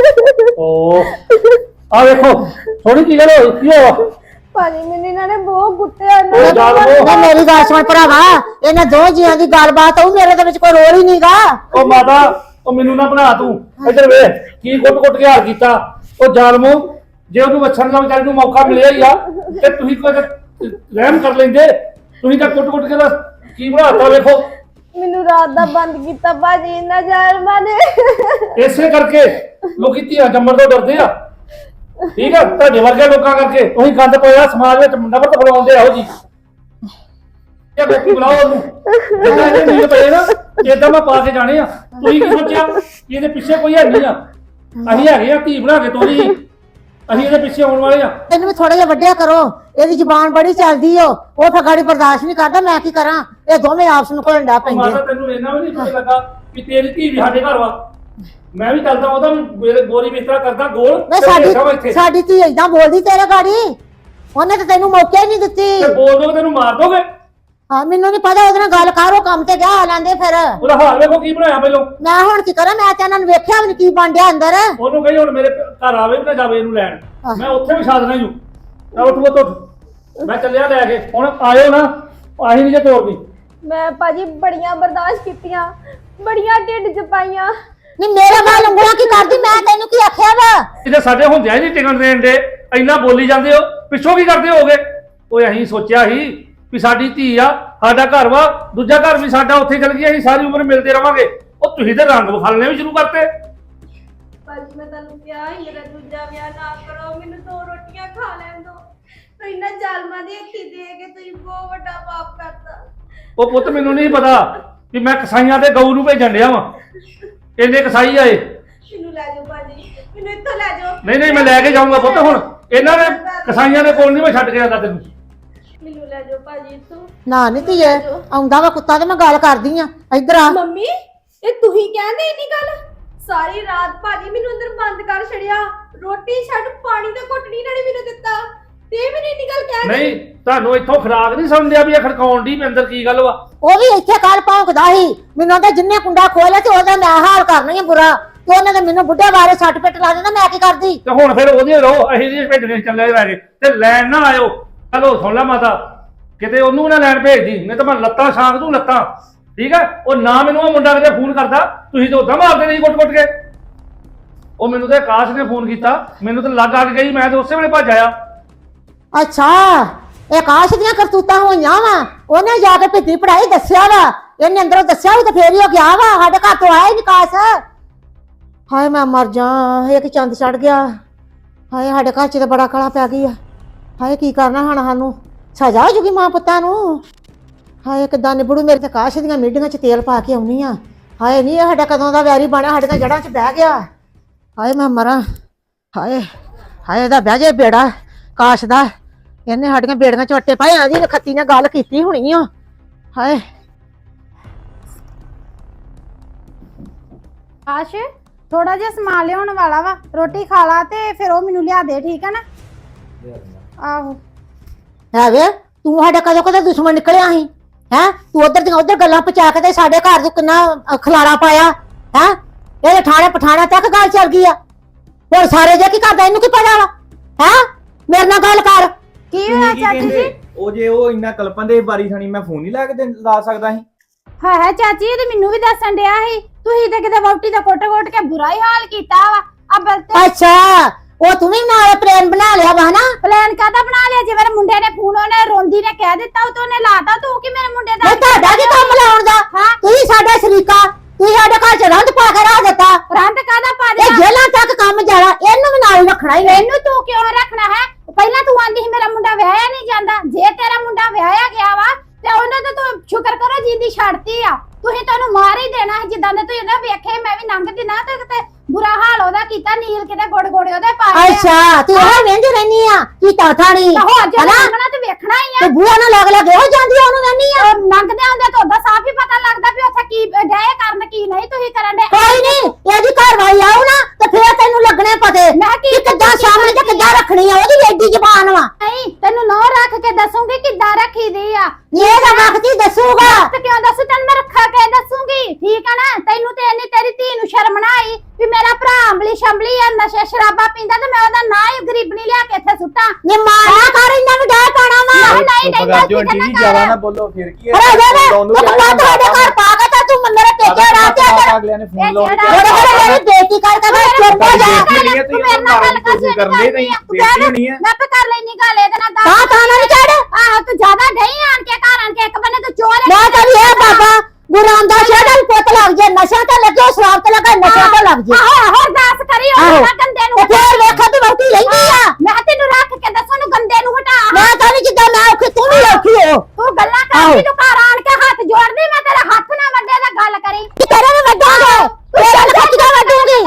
Speaker 3: ਓ ਆ ਵੇਖੋ ਸੋਨੀ ਕੀ ਗੱਲ ਹੋਈ? ਕੀ ਹੋਇਆ?
Speaker 1: ਭਾਜੀ ਮੈਨੂੰ ਇਹਨਾਂ ਨੇ ਬਹੁਤ ਕੁੱਟਿਆ ਨਾ।
Speaker 3: ਉਹ ਜਾਲ ਉਹ
Speaker 4: ਨਾ ਮੇਰੀ ਗੱਲ ਸੁਣ ਭਰਾਵਾ, ਇਹਨਾਂ ਦੋ ਜੀਆਂ ਦੀ ਗੱਲਬਾਤ ਹੋਊ, ਮੇਰੇ ਦੇ ਵਿੱਚ ਕੋਈ ਰੋਲ ਹੀ ਨਹੀਂਗਾ।
Speaker 3: ਉਹ ਮਾਤਾ, ਉਹ ਮੈਨੂੰ ਨਾ ਬਣਾ ਤੂੰ। ਇੱਧਰ ਵੇਖ ਕੀ ਕੁੱਟ ਕੁੱਟ ਕੇ ਹਾਰ ਕੀਤਾ। ਉਹ ਜ਼ਾਲਮੋ, ਜੇ ਉਹਨੂੰ ਵੱਛਣ ਦਾ ਵਿਚਾਰੀ ਨੂੰ ਮੌਕਾ ਮਿਲਿਆ ਹੀ ਆ ਤੇ ਤੁਸੀਂ ਕੋਈ ਰਹਿਮ ਕਰ ਲੈਂਦੇ। ਤੁਸੀਂ ਤਾਂ ਕੁੱਟ ਕੁੱਟ ਕੇ ਦਾ ਕੀ ਬਣਾਤਾ ਵੇਖੋ।
Speaker 1: ਮੈਨੂੰ ਰਾਤ ਦਾ ਬੰਦ ਕੀਤਾ ਭਾਜੀ ਇਹਨਾਂ ਜ਼ਾਲਮਾਂ ਨੇ।
Speaker 3: ਇਸੇ ਕਰਕੇ ਲੋਕੀ ਧੀਆਂ ਜੰਮਣ ਤੋਂ ਡਰਦੇ ਆ। ਠੀਕ ਆ, ਤੁਹਾਡੇ ਵਰਗੇ ਲੋਕਾਂ ਕਰਕੇ ਤੁਸੀਂ ਗੰਦ ਪਾਇਆ ਸਮਾਜ ਵਿੱਚ, ਨਫ਼ਰਤ ਫੈਲਾਉਂਦੇ ਆਓ ਜੀ। ਇਹ ਗੋਪੀ ਬੁਲਾਓ ਉਹਨੂੰ, ਜਿੱਦਾਂ ਇਹਦੇ ਨੀਲ ਪਏ ਨਾ ਏਦਾਂ ਮੈਂ ਪਾ ਕੇ ਜਾਣੇ ਆ। ਤੁਸੀਂ ਕੀ ਸੋਚਿਆ ਕਿ ਇਹਦੇ ਪਿੱਛੇ ਕੋਈ ਹੈ ਨਹੀਂ ਆ? ਅਸੀਂ ਹੈਗੇ ਆ, ਧੀ ਬਣਾ ਕੇ ਤੋਰੀ, ਅਸੀਂ ਇਹਦੇ ਪਿੱਛੇ ਆਉਣ ਵਾਲੇ ਆ।
Speaker 4: ਇਹਨੂੰ ਵੀ ਥੋੜਾ ਜਿਹਾ ਵੱਡਿਆ ਕਰੋ, ਇਹਦੀ ਜ਼ੁਬਾਨ ਬੜੀ ਚੱਲਦੀ ਓ, ਉਹ ਤਾਂ ਗਾੜੀ ਬਰਦਾਸ਼ਤ ਨਹੀਂ ਕਰਦਾ। ਮੈਂ ਕੀ ਕਰਾਂ, ਇਹ ਦੋਵੇਂ ਆਪਸ ਨੂੰ ਘੁਲਣ ਡਾ ਪੈਂਦੇ।
Speaker 3: ਮਾਤਾ ਤੈਨੂੰ ਇਹਨਾਂ ਵੀ ਨਹੀਂ ਪਤਾ ਲੱਗਾ ਕਿ ਤੇਰੀ ਧੀ ਵੀ ਸਾਡੇ ਘਰ ਵਾ। ਮੈਂ ਵੀ ਚੱਲਦਾ ਉਹਦਾ ਵੀ ਗੋਰੀ ਬਿਸਤਰਾ ਕਰਦਾ ਗੋਲ
Speaker 4: ਵੇ
Speaker 3: ਤੇ
Speaker 4: ਸਾਡੀ
Speaker 3: ਬੈਠਾ ਵਾ ਇੱਥੇ।
Speaker 4: ਸਾਡੀ ਧੀ ਏਦਾਂ ਬੋਲਦੀ ਤੇਰੇ ਗਾੜੀ, ਉਹਨੇ ਤਾਂ ਤੈਨੂੰ ਮੌਕਾ ਹੀ ਨਹੀਂ ਦਿੱਤੀ।
Speaker 3: ਤੇ ਬੋਲ ਦੋਗੇ ਤੈਨੂੰ ਮਾਰ ਦੋਗੇ।
Speaker 4: ਹਾਂ ਮੈਨੂੰ ਨਹੀਂ ਪਤਾ, ਉਹਦੇ ਨਾਲ ਗੱਲ ਕਰ, ਉਹ ਕੰਮ ਤੇ ਗਿਆ ਆ ਲੈਂਦੇ ਫਿਰ।
Speaker 3: ਉਹਦਾ ਹਾਲ ਵੇਖੋ ਕੀ ਬਣਾਇਆ ਪਹਿਲੋਂ।
Speaker 4: ਮੈਂ ਹੁਣ ਕੀ ਕਰਾਂ, ਮੈਂ ਤਾਂ ਇਹਨਾਂ ਨੂੰ ਵੇਖਿਆ ਵੀ ਨੀ ਕੀ ਬਣ ਡਿਆ ਅੰਦਰ।
Speaker 3: ਉਹਨੂੰ ਕਹੀ ਹੁਣ ਮੇਰੇ ਘਰ ਆਵੇ ਨਾ ਜਾਵੇ ਇਹਨੂੰ ਲੈਣ, ਮੈਂ ਉੱਥੇ ਵੀ ਛੱਡ ਦੇਣਾ ਹੀ। ਉੱਠ ਉੱਠ ਉੱਠ, ਮੈਂ ਚੱਲਿਆ ਲੈ ਕੇ। ਹੁਣ ਆਇਓ ਨਾ, ਆਹੀ ਨਹੀਂ ਜੇ ਤੋੜਦੀ।
Speaker 1: ਮੈਂ ਭਾਜੀ ਬੜੀਆਂ ਬਰਦਾਸ਼ਤ ਕੀਤੀਆਂ, ਬੜੀਆਂ ਢਿੱਡ ਚ ਪਾਈਆਂ।
Speaker 4: ਨਹੀਂ ਮੇਰੇ ਨਾਲ ਉਂਗਲਾਂ ਕੀ ਕਰਦੀ, ਮੈਂ ਤੈਨੂੰ ਕੀ ਆਖਿਆ ਵਾ?
Speaker 3: ਇਹਦੇ ਸਾਡੇ ਹੁੰਦਿਆਂ ਨਹੀਂ ਟਿਕਣ ਦੇਣ ਦੇ, ਇੰਨਾ ਬੋਲੀ ਜਾਂਦੇ ਹੋ, ਪਿੱਛੋਂ ਕੀ ਕਰਦੇ ਹੋਗੇ? ਓਏ ਅਸੀਂ ਸੋਚਿਆ ਸੀ ਵੀ ਸਾਡੀ ਧੀ ਆ, ਸਾਡਾ ਘਰ ਵਾ, ਦੂਜਾ ਘਰ ਵੀ ਸਾਡਾ, ਉੱਥੇ ਚਲ ਗਿਆ, ਅਸੀਂ ਸਾਰੀ ਉਮਰ ਮਿਲਦੇ ਰਵਾਂਗੇ। ਉਹ ਤੁਸੀਂ ਤੇ ਰੰਗ ਵਿਖਾਲਣੇ ਵੀ ਸ਼ੁਰੂ ਕਰਤੇ।
Speaker 1: ਭਾਜੀ ਮੈਂ ਤੁਹਾਨੂੰ ਕਿਹਾ ਸੀ ਮੇਰਾ ਦੂਜਾ ਵਿਆਹ ਨਾ ਕਰੋ, ਮੈਨੂੰ ਦੋ ਰੋਟੀਆਂ ਖਾ ਲੈਣ ਦਿਓ। ਤੇ ਇਹਨਾਂ ਜ਼ਾਲਮਾਂ ਦੀ ਹੱਥੀ ਦੇ ਕੇ ਤੁਸੀਂ ਬਹੁਤ ਵੱਡਾ ਪਾਪ ਕਰਤਾ।
Speaker 3: ਉਹ ਪੁੱਤ ਮੈਨੂੰ ਨਹੀਂ ਪਤਾ ਵੀ ਮੈਂ ਕਸਾਈਆਂ ਦੇ ਗਊ ਨੂੰ ਭੇਜਣ ਡਿਆ ਵਾਂ। ਇਹਨੇ ਕਸਾਈ ਆਏ।
Speaker 1: ਮੈਨੂੰ ਲੈ ਜਾਓ ਭਾਜੀ, ਮੈਨੂੰ ਇੱਥੋਂ ਲੈ ਜਾਓ।
Speaker 3: ਨਹੀਂ ਨਹੀਂ ਮੈਂ ਲੈ ਕੇ ਜਾਊਂਗਾ ਪੁੱਤ। ਹੁਣ ਇਹਨਾਂ ਨੇ ਕਸਾਈਆਂ ਦੇ ਕੋਲ ਨਹੀਂ ਮੈਂ ਛੱਡ ਕੇ ਜਾਂਦਾ ਤੈਨੂੰ।
Speaker 1: ਮੈਨੂੰ ਲੈ ਜਾਓ ਭਾਜੀ ਇੱਥੋਂ।
Speaker 4: ਨਾ ਨੀ ਧੀਏ, ਆਉਂਦਾ ਵਾ ਕੁੱਤਾ ਤੇ ਮੈਂ ਗੱਲ ਕਰਦੀ ਆ। ਇੱਧਰ ਆ।
Speaker 1: ਮੰਮੀ ਇਹ ਤੁਸੀਂ ਕਹਿੰਦੇ ਇੰਨੀ ਗੱਲ? ਸਾਰੀ ਰਾਤ ਭਾਜੀ ਮੈਨੂੰ ਅੰਦਰ ਬੰਦ ਕਰ ਛੜਿਆ, ਰੋਟੀ ਛੱਡ ਪਾਣੀ ਦਾ ਘੁੱਟ ਨਹੀਂ ਨਾਲੇ ਮੈਨੂੰ ਦਿੱਤਾ, ਤੇ ਮੈਨੂੰ ਇੰਨੀ ਗੱਲ ਕਹਿ
Speaker 3: ਨਹੀਂ ਤੁਹਾਨੂੰ ਇੱਥੋਂ ਖਰਾਕ ਨਹੀਂ ਸਮਝਿਆ ਵੀ ਇਹ ਖੜਕਾਉਣ ਦੀ ਵੀ ਅੰਦਰ ਕੀ ਗੱਲ ਵਾ?
Speaker 4: ਉਹ ਵੀ ਇੱਥੇ ਕੱਲ ਭੌਂਕਦਾ ਸੀ, ਮੈਨੂੰ ਤਾਂ ਜਿੰਨੇ ਕੁੰਡਾ ਖੋਲਿਆ ਤੇ ਉਹਦਾ ਮੈਂ ਹਾਲ ਕਰਨਾ ਹੀ ਬੁਰਾ, ਤੇ ਉਹਨੇ ਤਾਂ ਮੈਨੂੰ ਬੁੱਢੇ ਬਾਰੇ ਸੱਟ ਪਿੱਟ ਲਾ ਦਿੰਦਾ, ਮੈਂ ਕੀ ਕਰਦੀ?
Speaker 3: ਤੇ ਹੁਣ ਫਿਰ ਉਹਦੇ ਰਹੋ, ਅਸੀਂ ਨਹੀਂ ਭੇਜਣੇ ਚੱਲੇ ਲੈ ਕੇ ਤੇ ਲੈਣ ਨਾ ਆਇਓ। ਚਲੋ ਸੁਣ ਲੈ ਮਾਤਾ, ਕਿਤੇ ਉਹਨੂੰ ਨਾ ਲੈਣ ਭੇਜਦੀ, ਨਹੀਂ ਤਾਂ ਮੈਂ ਲੱਤਾਂ ਛਾਂਗ ਦੂੰ ਲੱਤਾਂ। ਠੀਕ ਹੈ, ਉਹ ਨਾ ਮੈਨੂੰ ਉਹ ਮੁੰਡਾ ਕਿਤੇ ਫੋਨ ਕਰਦਾ, ਤੁਸੀਂ ਤਾਂ ਉਦਾਂ ਮਾਰਦੇ ਨਹੀਂ ਕੁੱਟ ਕੁੱਟ ਕੇ। ਉਹ ਮੈਨੂੰ ਤੇ ਆਕਾਸ਼ ਨੇ ਫੋਨ ਕੀਤਾ, ਮੈਨੂੰ ਤੇ ਲੱਗ ਆ ਕੇ ਗਈ, ਮੈਂ ਤੇ ਉਸੇ ਵੇਲੇ ਭੱਜ ਆਇਆ।
Speaker 4: ਅੱਛਾ, ਇਹ ਆਕਾਸ਼ ਦੀਆਂ ਕਰਤੂਤਾਂ ਹੋਈਆਂ ਵਾ, ਉਹਨੇ ਜਾ ਕੇ ਭਿੱਤੀ ਪੜਾਈ ਦੱਸਿਆ ਵਾ, ਇਹਨੇ ਅੰਦਰੋਂ ਦੱਸਿਆ ਵੀ ਤੇ ਫੇਰ ਹੀ ਉਹ ਗਿਆ ਵਾ, ਸਾਡੇ ਘਰ ਤੋਂ ਆਇਆ ਹੀ ਨਿਕਾਸ। ਹਾਏ ਮੈਂ ਮਰ ਜਾ, ਇਹ ਕਿ ਚੰਦ ਚੜ ਗਿਆ। ਹਾਏ ਸਾਡੇ ਘਰ 'ਚ ਤਾਂ ਬੜਾ ਕਲਾ ਪੈ ਗਈ ਆ। ਹਾਏ ਕੀ ਕਰਨਾ ਹੁਣ, ਸਾਨੂੰ ਸਜ਼ਾ ਹੋ ਜੂਗੀ ਮਾਂ ਪੁੱਤਾਂ ਨੂੰ। ਹਾਏ ਕਿੱਦਾਂ ਨਿਬੜੂ, ਮੇਰੇ ਤੇ ਆਕਾਸ਼ ਦੀਆਂ ਮੀਡੀਆਂ 'ਚ ਤੇਲ ਪਾ ਕੇ ਆਉਣੀ ਆ। ਹਾਏ ਨਹੀਂ, ਇਹ ਸਾਡਾ ਕਦੋਂ ਦਾ ਵੈਰੀ ਬਣਿਆ, ਸਾਡੇ ਤਾਂ ਜੜ੍ਹਾਂ 'ਚ ਬਹਿ ਗਿਆ। ਹਾਏ ਮੈਂ ਮਰਾਂ। ਹਾਏ ਹਾਏ ਇਹਦਾ ਬਹਿ ਜੇ ਬੇੜਾ ਆਕਾਸ਼ ਦਾ, ਇਹਨੇ ਸਾਡੀਆਂ ਬੇੜੀਆਂ 'ਚ ਵੱਟੇ ਪਾਏ, ਆਦੀ ਨਖੱਤੀ ਨੇ ਗੱਲ ਕੀਤੀ ਹੋਣੀ ਆ। ਹਾਏ
Speaker 8: ਆਸ਼ ਥੋੜਾ ਜਿਹਾ ਸਮਾਨ ਲਿਆਉਣ ਵਾਲਾ ਵਾ, ਰੋਟੀ ਖਾ ਲਾ ਤੇ ਫਿਰ ਉਹ ਮੈਨੂੰ ਲਿਆ ਦੇ, ਠੀਕ ਹੈ ਨਾ? ਆਹੋ
Speaker 4: ਹੈ ਵੇ, ਤੂੰ ਸਾਡਾ ਕਦੋਂ ਕਦੋਂ ਦੁਸ਼ਮਣ ਨਿਕਲਿਆ ਸੀ ਹੈ? ਤੂੰ ਉਧਰ ਦੀਆਂ ਉਧਰ ਗੱਲਾਂ ਪਹੁੰਚਾ ਕੇ ਤੇ ਸਾਡੇ ਘਰ 'ਚ ਕਿੰਨਾ ਅ, ਖਲਾਰਾ ਪਾਇਆ ਹੈ। ਇਹਦੇ ਠਾਣੇ ਪਠਾਣਾ ਤੱਕ ਗੱਲ ਚੱਲ ਗਈ ਆ। ਹੁਣ ਸਾਰੇ ਜੇ ਕੀ ਕਰਦਾ, ਇਹਨੂੰ ਕੀ ਪਤਾ ਵਾ ਹੈ? ਮੇਰੇ ਨਾਲ ਗੱਲ ਕਰ।
Speaker 8: ਕੀ ਹੋਇਆ ਚਾਚੀ ਜੀ?
Speaker 9: ਉਹ ਜੇ ਉਹ ਇੰਨਾ ਕਲਪਨ ਦੇ ਬਾਰੀ ਥਣੀ ਮੈਂ ਫੋਨ ਨਹੀਂ ਲਾ ਕੇ ਦੇ- ਲਾ ਸਕਦਾ ਸੀ।
Speaker 8: ਹਾਂ ਹੈ ਚਾਚੀ, ਇਹ ਤੇ ਮੈਨੂੰ ਵੀ ਦੱਸਣ ਡਿਆ ਸੀ, ਤੁਸੀਂ ਤੇ ਕਿਤੇ ਵਹੁਟੀ ਦਾ ਕੋਟ-ਕੋਟ ਕੇ ਬੁਰਾ ਹੀ ਹਾਲ ਕੀਤਾ ਵਾ। ਅਬਲ ਤੇ
Speaker 4: ਅੱਛਾ, ਉਹ ਤੂੰ ਵੀ ਨਾਲ ਪਲਾਨ ਬਣਾ ਲਿਆ ਵਾ ਨਾ?
Speaker 8: ਪਲਾਨ ਕਾਹਦਾ ਬਣਾ ਲਿਆ? ਜੇ ਮੇਰੇ ਮੁੰਡੇ ਨੇ ਫੋਨ ਉਹਨੇ ਰੋਂਦੀ ਨੇ ਕਹਿ ਦਿੱਤਾ, ਉਹ ਤੋਂ ਉਹਨੇ ਲਾਤਾ, ਤੂੰ ਕੀ ਮੇਰੇ ਮੁੰਡੇ ਦਾ?
Speaker 4: ਨਹੀਂ ਤੁਹਾਡਾ ਕੀ ਕੰਮ ਲਾਉਣ ਦਾ?
Speaker 8: ਹਾਂ
Speaker 4: ਤੁਸੀਂ ਸਾਡਾ ਸ਼ਰੀਕਾ, ਤੁਸੀਂ ਸਾਡੇ ਘਰ 'ਚ ਰੰਦ ਪਾ ਕੇ ਰੱਖ ਦਿੱਤਾ।
Speaker 8: ਰੰਦ ਕਾਹਦਾ ਪਾ
Speaker 4: ਇਹ
Speaker 8: ਦਿਆ?
Speaker 4: ਜੇਲਾਂ ਤੱਕ ਕੰਮ ਜਾਣਾ, ਇਹਨੂੰ ਵੀ ਨਾਲ ਹੀ ਰੱਖਣਾ ਹੀ ਹੈ।
Speaker 8: ਇਹਨੂੰ ਤੂੰ ਕਿਉਂ ਰੱਖਣਾ ਹੈ? ਪਹਿਲਾਂ ਤੂੰ ਆਂਦੀ ਸੀ ਮੇਰਾ ਮੁੰਡਾ ਵਿਆਹਿਆ ਨਹੀਂ ਜਾਂਦਾ, ਜੇ ਤੇਰਾ ਮੁੰਡਾ ਵਿਆਹਿਆ ਗਿਆ ਵਾ ਤੇ ਉਹਨੇ ਤਾਂ ਤੂੰ ਸ਼ੁਕਰ ਕਰੋ ਜਿੰਦੀ ਛੱਡਤੀ ਆ। ਤੁਸੀਂ ਤੈਨੂੰ ਮਾਰ ਹੀ ਦੇਣਾ ਸੀ, ਜਿੱਦਾਂ ਦੇ ਤੂੰ ਇਹਦਾ ਵੇਖੇ ਮੈਂ ਵੀ ਲੰਘਦੀ ਨਾ ਤੇ ਕਿਤੇ ਬੁਰਾ ਹਾਲ ਉਹਦਾ ਕੀਤਾ, ਨੀਲ ਕਿਤੇ ਗੋੜ ਗੋੜੇ ਉਹਦੇ ਪਾਏ ਆ।
Speaker 4: ਅੱਛਾ, ਤੂੰ ਇਹ ਵੇਂਦੀ ਰਹਿਨੀ ਆ ਕੀ ਤਾਥਾ ਨਹੀਂ
Speaker 8: ਤਾਂ ਹੋ ਜੇ
Speaker 4: ਹਨਾ?
Speaker 8: ਲੰਘਣਾ ਤੇ ਵੇਖਣਾ ਹੀ ਆ।
Speaker 4: ਤੇ ਬੂਆ ਨਾਲ ਲੱਗ ਲੱਗ ਹੋ ਜਾਂਦੀ ਆ, ਉਹਨੂੰ ਰਹਿਨੀ ਆ।
Speaker 8: ਉਹ ਲੰਘਦੇ ਆਉਂਦੇ ਤਾਂ ਉਹਦਾ ਸਾਫ ਹੀ ਪਤਾ ਲੱਗਦਾ ਵੀ ਉੱਥੇ ਕੀ ਡਏ ਕਰਨ ਕੀ ਨਹੀਂ ਤੁਸੀਂ ਕਰਨ ਦੇ।
Speaker 4: ਕੋਈ ਨਹੀਂ, ਇਹਦੀ ਘਰਵਾਈ ਆਉ ਨਾ ਤੇ ਫੇਰ ਤੈਨੂੰ ਲੱਗਣੇ ਪਤੇ
Speaker 8: ਮੈਂ ਕੀ
Speaker 4: ਕਿ ਕਿੱਦਾਂ ਸਾਹਮਣੇ ਤੇ ਕਿੱਦਾਂ ਰੱਖਣੀ ਆ, ਉਹਦੀ ਐਡੀ ਜ਼ਬਾਨ ਵਾ।
Speaker 8: ਨਹੀਂ ਤੈਨੂੰ ਨੌ ਰੱਖ ਕੇ ਦੱਸੂਗੀ ਕਿੱਦਾਂ ਰੱਖੀ ਦੀ ਆ।
Speaker 4: ਇਹ ਤਾਂ ਵਕਤ ਹੀ ਦੱਸੂਗਾ।
Speaker 8: ਤੇ ਕਿਉਂ ਦੱਸੂ? ਤੈਨੂੰ ਮੈਂ ਰੱਖਾ ਕੇ ਦੱਸੂਗੀ, ਠੀਕ ਆ ਨਾ? ਤੈਨੂੰ ਤੇ ਇੰਨੀ ਤੇਰੀ ਧੀ ਨੂੰ ਸ਼ਰਮ ਨਾ ਆਈ ਵੀ ਮੇਰਾ ਭਰਾ ਅੰਬਲੀ ਸ਼ੰਬਲੀ ਆ, ਨਸ਼ੇ ਸ਼ਰਾਬਾ ਪੀਂਦਾ ਤੇ ਮੈਂ ਉਹਦਾ ਨਾਂ ਹੀ ਗਰੀਬਣੀ ਲਿਆ ਕੇ ਇੱਥੇ ਸੁੱਟਾਂ।
Speaker 4: ਨੀ ਮਾਰਿਆ ਕਰ, ਇੰਨਾ ਵੀ ਡਰ ਪਾਣਾ ਵਾ।
Speaker 8: ਨਹੀਂ ਨਹੀਂ
Speaker 9: ਚੁੱਪ ਕਰ ਜੋ ਆਂਟੀ ਜੀ, ਜ਼ਿਆਦਾ ਨਾ ਬੋਲੋ, ਫਿਰ ਕੀ ਹੈ?
Speaker 4: ਅਰੇ ਜੇ
Speaker 9: ਉਹਨੂੰ
Speaker 4: ਤੂੰ
Speaker 9: ਕਿਹਾ
Speaker 4: ਤੁਹਾਡੇ ਘਰ ਪਾ ਕੇ ਤਾਂ ਤੂੰ ਮੇਰੇ ਪੇਕੇ ਰਾਤ ਤੇ ਅਗਰ
Speaker 9: ਅਗਲਿਆਂ ਨੇ ਫੋਨ ਲਾਉਣ
Speaker 8: ਇਹ
Speaker 4: ਉਹਦੇ ਘਰ ਮੇਰੀ ਬੇਇੱਜ਼ਤੀ ਕਰ ਕੇ ਮੈਂ ਚੁੱਪ ਹੋ ਜਾ।
Speaker 9: ਨਹੀਂ ਹੈ, ਤੁਸੀਂ ਉਹਨਾਂ ਨਾਲ ਗੱਲ ਕਰ ਕਰਦੇ ਨਹੀਂ, ਬੇਇੱਜ਼ਤੀ ਹੋਣੀ ਹੈ।
Speaker 8: ਮੈਂ ਆਪੇ ਕਰ ਲੈਣੀ ਗੱਲ ਇਹਦੇ ਨਾਲ
Speaker 4: ਤਾਂ ਤਾਂ ਨਾ ਨੀ ਚੜ।
Speaker 8: ਆਹੋ ਤੂੰ ਜ਼ਿਆਦਾ ਨਹੀਂ ਆਣ ਕੇ ਘਰ ਆਣ ਕੇ ਇੱਕ ਬੰਨੇ ਤੂੰ ਚੋਰ ਹੈ।
Speaker 4: ਮੈਂ ਤਾਂ ਇਹ ਬਾਬਾ ਗੁਰੂ ਰਾਮਦਾਸ ਜੀ ਦਾ ਵੀ ਪੁੱਤ ਲੱਗ ਜੇ, ਨਸ਼ਾ ਤੇ ਲੱਗੇ, ਸ਼ਰਾਬ ਤੇ ਲੱਗੇ, ਨਸ਼ਾ ਤੇ ਲੱਗ ਜੇ।
Speaker 8: ਆਹੋ ਆਹੋ ਅਰਦਾਸ ਕਰੀ
Speaker 4: ਆਹੋ।
Speaker 8: ਉਹ ਗੰਦੇ ਨੂੰ
Speaker 4: ਤੇ ਫੇਰ ਵੇਖਾ ਤੂੰ ਵਹੁਟੀ ਲੈਂਦੀ ਆ।
Speaker 8: ਮੈਂ ਤੈਨੂੰ ਰੱਖ ਕੇ ਦੱਸੂ ਨੂੰ ਗੰਦੇ ਨੂੰ ਹਟਾ।
Speaker 4: ਮੈਂ ਤਾਂ ਨਹੀਂ ਜਿੱਦਾਂ ਮੈਂ ਔਖੀ ਤੂੰ ਵੀ ਔਖੀ ਹੋ।
Speaker 8: ਤੂੰ ਗੱਲਾਂ ਕਰਦੀ, ਤੂੰ ਘਰ ਆਣ ਕੇ ਹੱਥ ਜੋੜਦੀ, ਮੈਂ ਤੇਰਾ ਹੱਥ ਨਾ ਵੱਡੇ ਦਾ ਗੱਲ ਕਰੀ।
Speaker 4: ਕਿ ਤੇਰੇ ਵੀ ਵੱਡਾਂਗੇ, ਤੇਰੇ ਨੂੰ ਕਿੱਦਾਂ ਵੱਡੂਗੀ?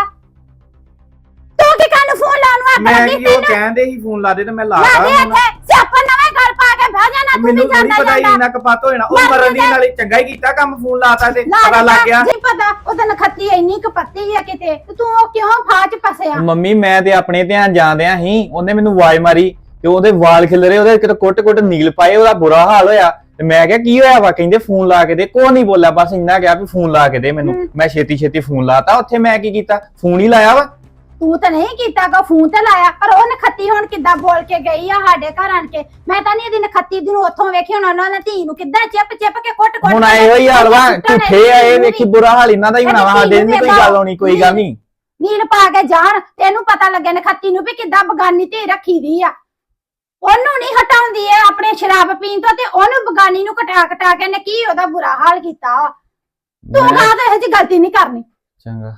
Speaker 8: ਤੂੰ ਕੀ ਕੰਨ ਫੋਨ ਲਾਉਣ ਵਾ?
Speaker 9: ਮੈਂ ਕੀ ਉਹ ਕਹਿੰਦੇ ਸੀ ਫੋਨ ਲਾ ਦੇ ਤੇ ਮੈਂ ਲਾ
Speaker 8: ਲਾ
Speaker 9: ਤਾ
Speaker 8: ਦੇ
Speaker 9: ਹੁਣ।
Speaker 8: ਇੱਥੇ ਸਿਆਪਾ ਨਵੇਂ ਘਰ ਪਾ ਕੇ ਬਹਿ ਜਾਣਾ, ਤੂੰ ਵੀ
Speaker 9: ਮੈਨੂੰ ਨਹੀਂ
Speaker 8: ਜਾਂਦਾ
Speaker 9: ਪਤਾ ਸੀ
Speaker 8: ਜਾਂਦਾ।
Speaker 9: ਇੰਨਾ ਕਪੱਤ ਹੋ ਜਾਣਾ। ਉਹ
Speaker 8: ਮੈਂ
Speaker 9: ਮਰਨ ਦੀ
Speaker 8: ਤਾਂ-
Speaker 9: ਨਾਲੇ ਚੰਗਾ ਹੀ ਕੀਤਾ ਕੰਮ, ਫੋਨ ਲਾਤਾ ਤੇ
Speaker 8: ਲਾ
Speaker 9: ਪਤਾ ਲੱਗ ਗਿਆ।
Speaker 8: ਜੀ ਪਤਾ ਉਹਦਾ ਨਖੱਤੀ ਇੰਨੀ ਕਪੱਤੀ ਆ ਕਿਤੇ, ਤੇ ਤੂੰ ਉਹ ਕਿਉਂ ਫਾਚ ਫਸਿਆ?
Speaker 2: ਮੰਮੀ ਮੈਂ ਤੇ ਆਪਣੇ ਧਿਆਨ ਜਾਂਦਿਆਂ ਸੀ, ਉਹਨੇ ਮੈਨੂੰ ਆਵਾਜ਼ ਮਾਰੀ ਤੇ ਉਹਦੇ ਵਾਲ ਖਿਲਰੇ, ਉਹਦੇ ਕਿਤੇ ਕੁੱਟ ਕੁੱਟ ਨੀਲ ਪਾਏ, ਉਹਦਾ ਬੁਰਾ ਹਾਲ ਹੋਇਆ। ਤੇ ਮੈਂ ਕਿਹਾ ਕੀ ਹੋਇਆ ਵਾ? ਕਹਿੰਦੇ ਫੋਨ ਲਾ ਕੇ ਦੇ। ਕੋਈ ਨਹੀਂ ਬੋਲਿਆ, ਬਸ ਇੰਨਾ ਕਿਹਾ ਵੀ ਫੋਨ ਲਾ ਕੇ ਦੇ ਮੈਨੂੰ। ਮੈਂ ਛੇਤੀ ਛੇਤੀ ਫੋਨ ਲਾਤਾ। ਉੱਥੇ ਮੈਂ ਕੀ ਕੀਤਾ, ਫੋਨ ਹੀ ਲਾਇਆ ਵਾ।
Speaker 8: ਤੂੰ ਤਾਂ ਨਹੀਂ ਕੀਤਾ ਗਾ, ਫੋਨ ਤੇ ਲਾਇਆ, ਪਰ ਉਹ ਨਖੱਤੀ ਹੁਣ ਕਿੱਦਾਂ ਬੋਲ ਕੇ ਗਈ ਆ ਸਾਡੇ ਘਰ ਆਣ ਕੇ। ਮੈਂ ਤਾਂ ਨਹੀਂ ਇਹਦੀ ਨਖੱਤੀ ਦੀ ਨੂੰ ਉੱਥੋਂ ਵੇਖੀ, ਹੁਣ ਉਹਨਾਂ ਨੇ ਧੀ ਨੂੰ ਕਿੱਦਾਂ ਚਿਪ ਚਿਪ ਕੇ ਕੁੱਟ ਕੁੱਟ
Speaker 2: ਹੁਣ ਆਏ ਹੋਈ ਹਾਲ ਵਾ, ਝੂਠੇ ਆਏ, ਵੇਖੀ ਬੁਰਾ ਹਾਲ ਇਹਨਾਂ ਦਾ ਹੀ ਹੋਣਾ ਵਾ। ਸਾਡੇ ਨਹੀਂ ਕੋਈ ਗੱਲ ਹੋਣੀ, ਕੋਈ ਗੱਲ ਨਹੀਂ।
Speaker 8: ਨੀਲ ਪਾ ਕੇ ਜਾਣ, ਤੈਨੂੰ ਪਤਾ ਲੱਗੇ ਨਖੱਤੀ ਨੂੰ ਵੀ ਕਿੱਦਾਂ ਬਗਾਨੀ ਧੀ ਰੱਖੀ ਦੀ ਆ। ਉਹਨੂੰ ਨਹੀਂ ਹਟਾਉਂਦੀ ਐ ਆਪਣੇ ਸ਼ਰਾਬ ਪੀਣ ਤੋਂ, ਤੇ ਉਹਨੂੰ ਬਗਾਨੀ ਨੂੰ ਕਟਾ ਕਟਾ ਕੇ ਨੇ ਕੀ ਉਹਦਾ ਬੁਰਾ ਹਾਲ ਕੀਤਾ ਵਾ। ਤੂੰ
Speaker 2: ਮੈਂ-
Speaker 8: ਕਹਾਂ ਤਾਂ ਇਹ ਜੀ ਗਲਤੀ ਨਹੀਂ ਕਰਨੀ।
Speaker 2: ਚੰਗਾ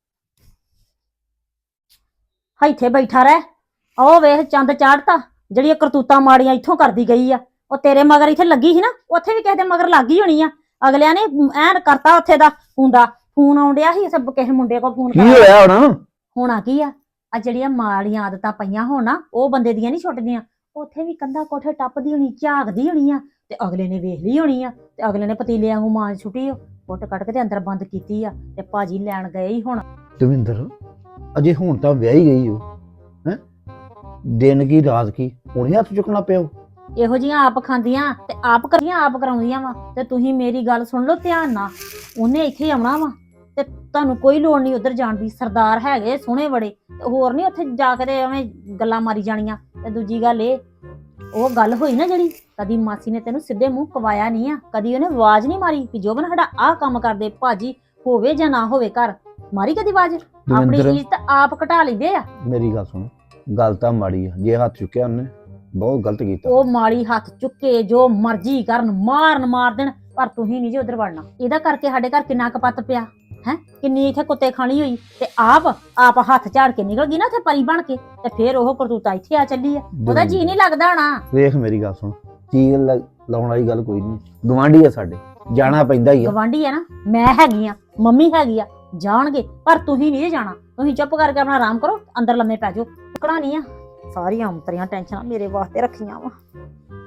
Speaker 6: ਇੱਥੇ ਬੈਠਾ ਰਹਿ। ਉਹ ਵੇਖ ਚੰਦ ਚਾੜਤਾ, ਜਿਹੜੀ ਕਰਤੂਤਾਂ ਮਾੜੀਆਂ ਇੱਥੋਂ ਕਰਦੀ ਗਈ ਆ। ਉਹ ਤੇਰੇ ਮਗਰ ਇੱਥੇ ਲੱਗੀ ਸੀ ਨਾ, ਉੱਥੇ ਵੀ ਕਿਸੇ ਦੇ ਮਗਰ ਲੱਗੀ ਹੋਣੀ ਆ। ਅਗਲਿਆਂ ਨੇ ਐਨ ਕਰਤਾ ਉੱਥੇ ਦਾ ਹੁੰਦਾ। ਫੋਨ ਆਉਂਦਿਆ ਸੀ ਸਭ ਕਿਸੇ ਮੁੰਡੇ ਕੋਲ ਫੋਨ
Speaker 2: ਕੀ ਹੋਇਆ ਹੁਣ?
Speaker 6: ਹੋਣਾ ਕੀ ਆ, ਆ ਜਿਹੜੀਆਂ ਮਾੜੀਆਂ ਆਦਤਾਂ ਪਈਆਂ ਹੋਣ ਨਾ, ਉਹ ਬੰਦੇ ਦੀਆਂ ਨਹੀਂ ਛੁੱਟਦੀਆਂ। ਉੱਥੇ ਵੀ ਕੰਧਾ ਕੋਠੇ ਟੱਪਦੀ ਹੋਣੀ, ਝਾਕਦੀ ਹੋਣੀ ਆ, ਤੇ ਅਗਲੇ ਨੇ ਵੇਖ ਲਈ ਹੋਣੀ ਆ, ਤੇ ਅਗਲੇ ਨੇ ਪਤੀਲੇ ਵਾਂਗੂ ਮਾਂ ਛੁੱਟੀ, ਕੁੱਟ ਕੱਟ ਕੇ ਤੇ ਅੰਦਰ ਬੰਦ ਕੀਤੀ ਆ। ਤੇ ਭਾਜੀ ਲੈਣ ਗਏ ਹੀ ਹੁਣ।
Speaker 10: ਦਵਿੰਦਰ ਅਜੇ ਹੁਣ ਤਾਂ ਵਿਆਹੀ ਗਈ ਹੋ ਹੈ, ਦਿਨ ਕੀ ਰਾਤ ਕੀ ਹੁਣੇ ਹੱਥ ਚੁੱਕਣਾ ਪਿਆ।
Speaker 6: ਇਹੋ ਜਿਹੀਆਂ ਆਪ ਖਾਂਦੀਆਂ ਤੇ ਆਪ ਕਰੀਆਂ ਆਪ ਕਰਾਉਂਦੀਆਂ ਵਾ। ਤੇ ਤੁਸੀਂ ਮੇਰੀ ਗੱਲ ਸੁਣ ਲਓ ਧਿਆਨ ਨਾਲ, ਉਹਨੇ ਇੱਥੇ ਆਉਣਾ ਵਾ ਤੇ ਤੁਹਾਨੂੰ ਕੋਈ ਲੋੜ ਨਹੀਂ ਉਧਰ ਜਾਣ ਦੀ। ਸਰਦਾਰ ਹੈਗੇ ਸੋਹਣੇ ਬੜੇ, ਤੇ ਹੋਰ ਨਹੀਂ ਉੱਥੇ ਜਾ ਕੇ ਤੇ ਐਵੇਂ ਗੱਲਾਂ ਮਾਰੀ ਜਾਣੀਆਂ। ਤੇ ਦੂਜੀ ਗੱਲ ਇਹ, ਉਹ ਗੱਲ ਹੋਈ ਨਾ ਜਿਹੜੀ, ਕਦੀ ਮਾਸੀ ਨੇ ਤੈਨੂੰ ਸਿੱਧੇ ਮੂੰਹ ਕਵਾਇਆ ਨਹੀਂ ਆ, ਕਦੀ ਉਹਨੇ ਆਵਾਜ਼ ਨਹੀਂ ਮਾਰੀ ਕਿ ਜੋਬਨ ਸਾਡਾ ਆਹ ਕੰਮ ਕਰਦੇ ਭਾਜੀ, ਹੋਵੇ ਜਾਂ ਨਾ ਹੋਵੇ ਘਰ, ਮਾਰੀ ਕਦੀ ਆਵਾਜ਼? ਆਪਣੀ
Speaker 10: ਦਵਿੰਦਰ
Speaker 6: ਇੱਜ਼ਤ ਆਪ ਘਟਾ ਲੈਂਦੇ ਆ।
Speaker 10: ਮੇਰੀ ਗੱਲ ਸੁਣ, ਗੱਲ ਤਾਂ ਮਾੜੀ ਆ, ਜੇ ਹੱਥ ਚੁੱਕਿਆ ਉਹਨੇ ਬਹੁਤ ਗਲਤ ਕੀਤਾ।
Speaker 6: ਉਹ ਮਾੜੀ ਹੱਥ ਚੁੱਕੇ ਜੋ ਮਰਜ਼ੀ ਕਰਨ, ਮਾਰਨ ਮਾਰ ਦੇਣ, ਪਰ ਤੁਸੀਂ ਨਹੀਂ ਜੀ ਉਧਰ ਵੜਨਾ। ਇਹਦਾ ਕਰਕੇ ਸਾਡੇ ਘਰ ਕਿੰਨਾ ਕਪੱਤ ਪਿਆ ਹੈ, ਕਿੰਨੀ ਇੱਥੇ ਕੁੱਤੇ ਖਾਣੀ ਹੋਈ, ਤੇ ਆਪ ਆਪ ਹੱਥ ਝਾੜ ਕੇ ਨਿਕਲ ਗਈ ਨਾ ਉੱਥੇ ਪਰੀ ਬਣ ਕੇ, ਤੇ ਫੇਰ ਉਹ ਕਰਤੂਤਾ ਇੱਥੇ ਆ ਚੱਲੀ ਆ। ਉਹਦਾ ਜੀ ਨਹੀਂ ਲੱਗਦਾ ਹੋਣਾ।
Speaker 10: ਵੇਖ ਮੇਰੀ ਗੱਲ ਸੁਣ, ਚੀਜ਼ ਲ- ਲਾਉਣ ਵਾਲੀ ਗੱਲ ਕੋਈ ਨਹੀਂ, ਗਵਾਂਢੀ ਆ ਸਾਡੇ, ਜਾਣਾ ਪੈਂਦਾ ਹੀ ਆ।
Speaker 6: ਗਵਾਂਢੀ ਆ ਨਾ, ਮੈਂ ਹੈਗੀ ਆ, ਮੰਮੀ ਹੈਗੀ ਆ, ਜਾਣਗੇ, ਪਰ ਤੁਸੀਂ ਨਹੀਂ ਜਾਣਾ। ਤੁਸੀਂ ਚੁੱਪ ਕਰਕੇ ਆਪਣਾ ਆਰਾਮ ਕਰੋ, ਅੰਦਰ ਲੰਮੇ ਪੈ ਜਾਓ। ਟੁਕੜਾ ਨਹੀਂ ਆ, ਸਾਰੀਆਂ ਅੰਤਰੀਆਂ ਟੈਨਸ਼ਨਾਂ ਮੇਰੇ ਵਾਸਤੇ ਰੱਖੀਆਂ ਵਾ।